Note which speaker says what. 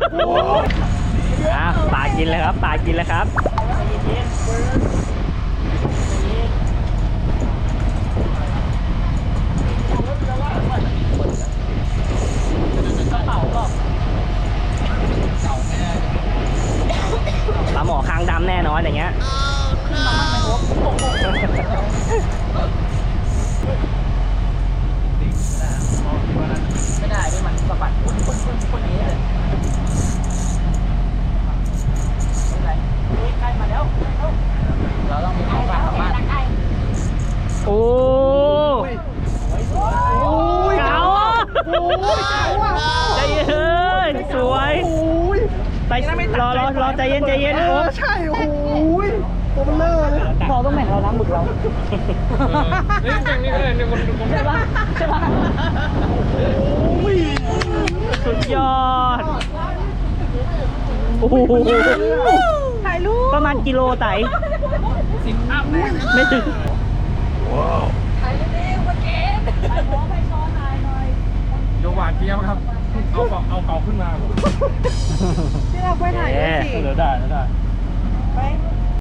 Speaker 1: ปลากินเลยครับปลากินเลยครับปลาหมอคางดำแน่นอนอย่างเงี้ยไม่ได้ไม่มันสะบัดคนนี้เลยใกล้มาแล้วเราต้องมีของฝากกลับบ้านโอ้ยเก๋าใจเย็นสวยไปรอใจเย็น
Speaker 2: ใช่โอ้ยตัวมันเลอะเลยพอต้องแบ่งเราน้ำหมึกเรา
Speaker 3: นี่อย่างนี้เลยเนี่ยคน
Speaker 1: ใช่ปะสุดยอดโอ้โห
Speaker 2: ถ่ายรูป
Speaker 1: ประมาณกิโลไต่
Speaker 3: 10 อัพ
Speaker 1: ไม่ถึง
Speaker 2: ถ่ายเร็วๆมาเก็บถ่ายหน่อย
Speaker 3: โยหวานเกี้ยวครับเอาเก่าขึ้นมา
Speaker 2: ที่เราไปถ่ายด้วยสิ
Speaker 3: ได้
Speaker 2: ไป